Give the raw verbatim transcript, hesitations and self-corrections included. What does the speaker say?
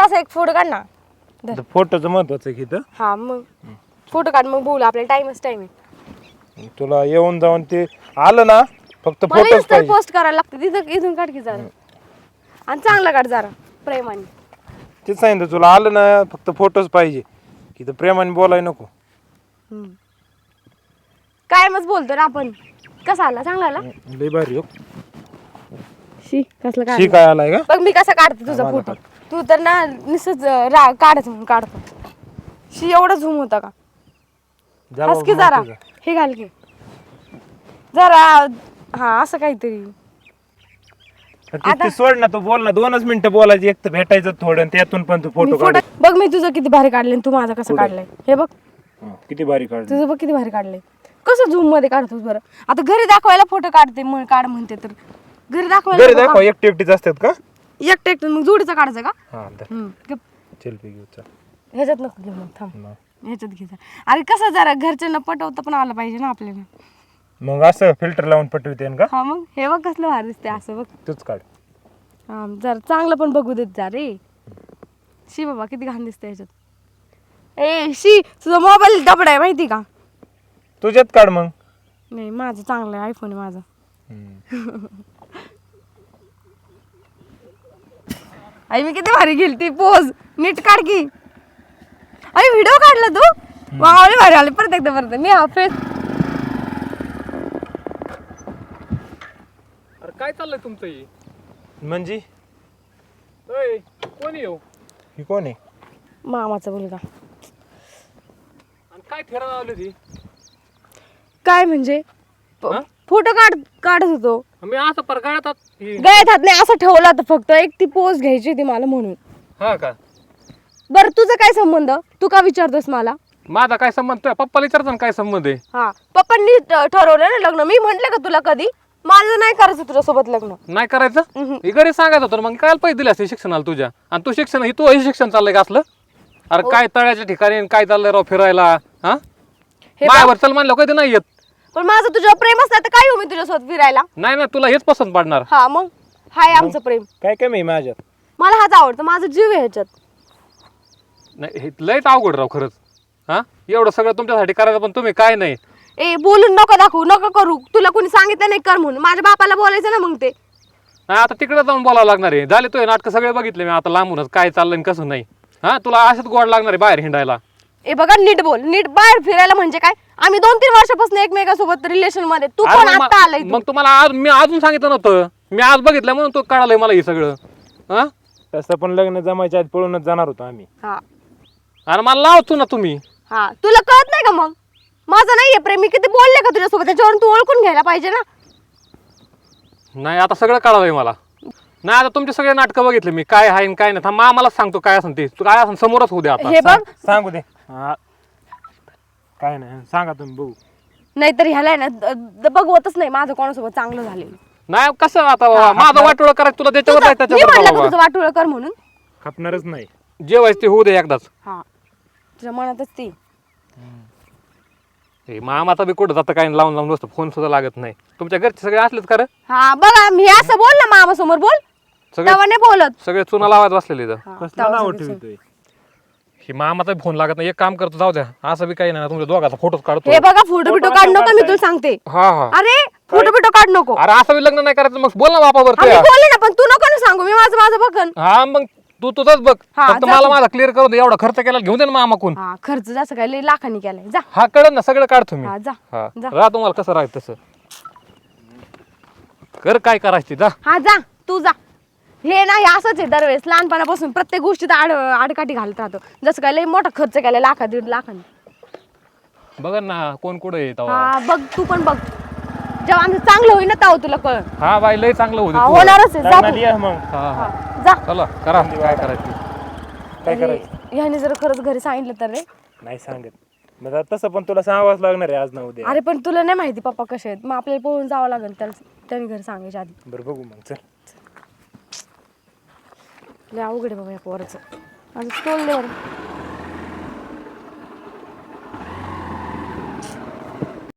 असा एक फोटो काढ ना. फोटोचं महत्वाचं आहे की हा मग फोटो काढ मग बोलू आपल्याला टाइमच टाइम आहे. तुला येऊन जाऊन ते आलं ना फक्त मला फोटोच तर पाहिजे. पोस्ट करायला लागते तिथं इथून काढ की जरा आणि चांगला काढ जरा प्रेमाने. तेच सांगितलं तुला आलं ना फक्त फोटोच पाहिजे की तर प्रेमाने बोलाय नको. काय मग बोलतो ना आपण. कसा आला चांगला आला. लय भारी हो. शी कसला शी काढ काय आलाय का बघ मी कसा काढते तुझा फोटो. तू तर ना निसच काढायचं म्हणून काढतो. शी एवढं झूम होता का. जा हस की बाबा, जरा माहिती का? हे घाल की जरा हा असं काहीतरी. ते- ते सोड ना तू बोल ना दोनच मिनिटं बोलायची एक तर भेटायचं थोडं आणि त्यातून पण तू मी फोटो फोटो काढ. बघ मी तुझं किती भारी काढले तू माझा कसं काढलंय हे बघ. किती भारी काढ. तुझं बघ किती भारी काढलंय. कसं झूम मध्ये काढतोस बरं. आता घरी दाखवायला फोटो काढते मग काढ म्हणते तर घरी दाखवायला घरी नको दाखव एकटी एकटीच असतात का? का? एकटं एकटं मग जोडीचा काढायचा का. हा धर. हम्म, गप. चल पे घेऊ चल. ह्याच्यात नको घेऊ मग थांब मग. ह्याच्यात घे जा. अरे कसं जरा घरच्यांना पटवता पण आलं पाहिजे ना आपल्याला. मग असं फिल्टर लावून पटवते का? हा मग हे बघ कसलं भारी दिसते असं बघ. तूच काढ. हा जरा चांगलं पण बघू देत जा रे. शी बाबा किती घाण दिसते ह्याच्यात. ए शी तुझा मोबाईल दबडा आहे माहिती का. तुझ्यात काढ मग. नाही माझं चांगलं आहे आयफोन आहे माझा. आई मी किती भारी गेली ती पोज नीट काढ की. अरे व्हिडिओ काढला तू मावळे भारी आले परत एकदा परत मी हा फेस. अरे काय चाललंय तुमचं हे? म्हणजे ओय, कोण येऊ ही कोण आहे? मामाचा मुलगा. आणि काय फिरायला लावली ती? काय म्हणजे हा? फोटो काढ काढत होतो. मी असं परगाळतात ही. गळ्यात हात नाही असं ठेवला होता फक्त एक ती पोज घ्यायची होती मला म्हणून. हा का? बरं तुझं काय संबंध तू का विचारतोस मला. माझा काय संबंध तुझ्या पप्पाला विचारतो ना काय संबंध आहे? हा पप्पांनी ठ- ठरवलं ना लग्न. मी म्हंटल का तुला कधी माझं नाही करायचं तुझ्यासोबत लग्न. नाही करायचं हे घरी सांगायचं होतं ना, मग काय पैसे दिले असते शिक्षणाला तुझ्या आणि तू शिक्षण हे तू हे शिक्षण चाललंय का असलं? अरे काय तळ्याच्या ठिकाणी आणि काय चाललंय राव फिरायला हा हे माझ्यावर चल म्हणलं कधी नाही येत. पण माझं तुझ्यावर प्रेम असतं तर काय येऊ मी तुझ्यासोबत फिरायला. नाही ना तुला हेच पसंत पडणार. हा मग हाय आमचं प्रेम. काय कमी आहे माझ्यात? मला हाच आवडतं माझं जीव आहे ह्याच्यात. नाही हे लयच अवघड राव खरंच. हा एवढं सगळं तुमच्यासाठी करायचं पण तुम्ही काय नाही. ए बोलून नको दाखवू नको करू. तुला कोणी सांगितलं नाही कर म्हणून माझ्या बापाला बोलायचं ना मग ते. नाही आता तिकडे जाऊन बोलावं लागणार आहे. झाले तो नाटक सगळे बघितले मी आता लांबूनच काय चाललंय आणि कसं नाही. हा तुला असंच गोड लागणार आहे बाहेर हिंडायला. ए बघा नीट बोल नीट बाहेर फिरायला म्हणजे काय. आम्ही दोन तीन वर्षापासून एकमेकांसोबत रिलेशन मध्ये तू अरे पण मग आता आलाय मा- तू. मग तुम्हाला आज मी अजून सांगितलं नव्हतं. मी आज बघितलं म्हणून तो कळालंय मला हे सगळं. हा तसं पण लग्न जमायच्या आधी पळूनच जाणार होतो आम्ही. हा अरे मला लावतो ना तुम्ही. हा तुला कळत नाही का मग माझं नाहीये प्रेम. मी किती बोलले का तुझ्यासोबत त्याच्यावरून तू ओळखून घ्यायला पाहिजे ना. नाही आता सगळं कळालंय मला. नाही आता तुमचे सगळे नाटकं बघितले मी काय आहे आणि काय नाही. थांब आम्हालाच सांगतो काय असं ते तू काय असं समोरच होऊ दे आता. हे बघ सांगू दे. हा. काय नाही सांगा तुम्ही बघू. नाहीतर ह्याला आहे ना द- द- बघवतच नाही माझं कोणासोबत चांगलं झालेलं. नाही कसं आता बाबा, माझं वाटोळं करायचं तुला त्याच्यावर तुझं- नाही मी त्याच्यावर म्हणलं जा का बाबा. तुझं वाटोळं कर म्हणून. खपणारच नाही. जेवायचं ते होऊ दे एकदाच. हा तुझ्या मनातच ती. हे मामाचा बी कुठं जातं काय लावून लावून बसतो फोन सुद्धा लागत नाही. तुमच्या घरचे सगळे असलेच खरं हा बघा मी असं बोल ना मामा समोर बोल सगळे तेव्हा नाही बोलत. सगळे चुना लावायला बसलेले इथं. हा, कसलं तेव्हा नाव सगळं ठेवतोय? ही मामाचा फोन लागत नाही. एक काम करतो जाऊ द्या असं बी काही नाही तुमच्या दोघाचा फोटोच काढतो. हे बघा फोटो बिटो काढ नको मी तुला सांगते. हा हा अरे फोटो बिटो काढ नको. अरे असं बी लग्न नाही करायचं मग बोल ना बापावर आम्ही बोलले ना पण तू नको ना सांगू मी माझं माझं बघन. हा मग तू तुझंच बघ. हा, फक्त जा मला तू. माझा क्लिअर करू दे. एवढा खर्च केला घेऊन दे ना मामाकून. हा खर्च जास्त काय लय लाखांनी केलाय जा. हा कळत ना सगळं काढतो मी. हा जा हा जा. राह तुम्हाला कसं राहत तसं कर काय करायचं ते, जा. हा जा तू जा. हे नाही असंच आहे दरवेळेस लहानपणापासून प्रत्येक गोष्टीत आड आडकाठी घालत राहतो. जसं काय लय मोठा खर्च केलाय लाखा दीड लाखांनी. बघ ना कोण कुठे येत हा बघ तू पण बघ जेव्हा आमचं चांगलं होईल ना तेव्हा तुला कळ. हा बाई लय चांगलं होतं हा, तुझं. होणारच आहे जा लग्नाला तू. ये मग. हा हा हा, जा. चला करा काय करायचं. काय करायचं? ह्याने जर खरंच घरी सांगितलं तर रे. नाही सांगत. मग आता तसं पण तुला सांगावंच लागणार आहे आज ना उद्या. अरे पण तुला नाही माहिती पप्पा कसे आहेत मग आपल्याला पळून जावं लागेल त्याला त्याने घरी सांगायच्या आधी. बरं बघू मग चल. लय अवघड आहे बाबा या पोराचं. माझं स्टोल दे बरं.